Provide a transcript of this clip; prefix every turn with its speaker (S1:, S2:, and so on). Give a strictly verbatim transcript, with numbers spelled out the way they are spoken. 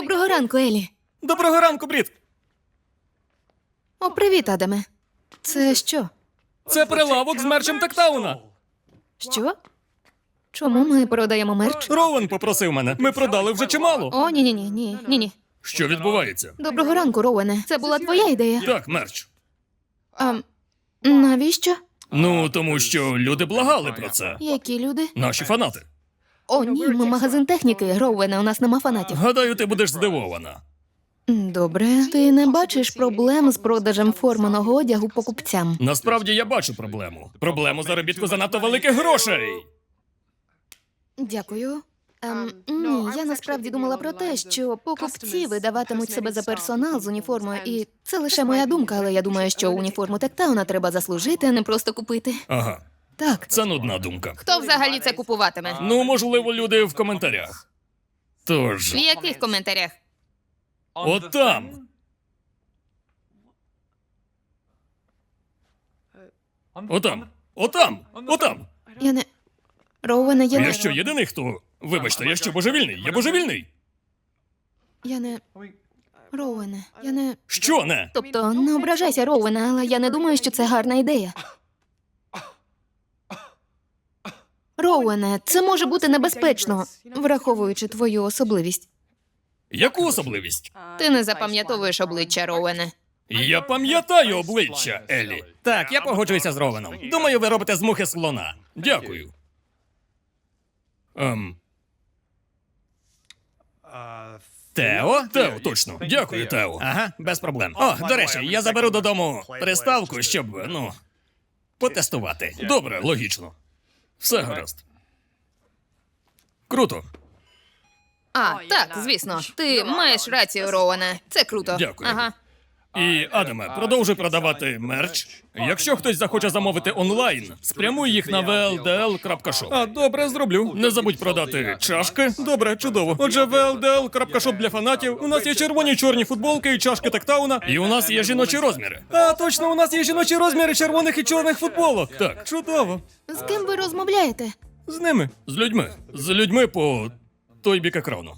S1: Доброго ранку, Елі.
S2: Доброго ранку, Брід!
S1: О, привіт, Адаме. Це що?
S2: Це прилавок з мерчем Тактауна.
S1: Що? Чому ми продаємо мерч?
S2: Роуен попросив мене. Ми продали вже чимало.
S1: О, ні-ні-ні, ні, ні-ні.
S2: Що відбувається?
S1: Доброго ранку, Роуене. Це була твоя ідея.
S2: Так, мерч.
S1: А, навіщо?
S2: Ну, тому що люди благали про це.
S1: Які люди?
S2: Наші фанати.
S1: О, ні, ми магазин техніки. Роуене, у нас нема фанатів.
S2: Гадаю, ти будеш здивована.
S1: Добре. Ти не бачиш проблем з продажем форманого одягу покупцям?
S2: Насправді я бачу проблему. Проблему заробітку занадто великих грошей.
S1: Дякую. Ем, ні, я насправді думала про те, що покупці видаватимуть себе за персонал з уніформою, і це лише моя думка, але я думаю, що уніформу Тектауна треба заслужити, а не просто купити.
S2: Ага,
S1: Так.
S2: це нудна думка.
S1: Хто взагалі це купуватиме?
S2: Ну, можливо, люди в коментарях. Тож,
S1: В яких коментарях?
S2: от там. Отам. Отам. Отам.
S1: Я не. Роуене, я не.
S2: Я що, єдиний, хто... Вибачте, я що, божевільний? Я божевільний?
S1: Я не. Роуене, я не.
S2: Що не?
S1: Тобто, не ображайся, Роуене, але я не думаю, що це гарна ідея. Роуене, це може бути небезпечно, враховуючи твою особливість.
S2: Яку особливість?
S1: Ти не запам'ятовуєш обличчя, Роуене.
S2: Я пам'ятаю обличчя, Елі. Так, я погоджуюся з Ровеном. Думаю, ви робите з мухи слона. Дякую. Ем... Тео? Тео, точно. Дякую, Тео. Ага, без проблем. О, до речі, я заберу додому приставку, щоб, ну, потестувати. Добре, логічно. Все гаразд. Круто.
S1: А, так, звісно. Ти маєш рацію, Роуене. Це круто.
S2: Дякую.
S1: Ага.
S2: І, Адаме, продовжуй продавати мерч. Якщо хтось захоче замовити онлайн, спрямуй їх на ве ел де ел крапка шоп. А, добре, зроблю. Не забудь продати чашки. Добре, чудово. Отже, ве ел де ел крапка шоп для фанатів. У нас є червоні чорні футболки і чашки Тактауна. І у нас є жіночі розміри. А, точно, у нас є жіночі розміри червоних і чорних футболок. Так, чудово.
S1: З ким ви розмовляєте?
S2: З ними. З людьми. З людьми по той бік екрану.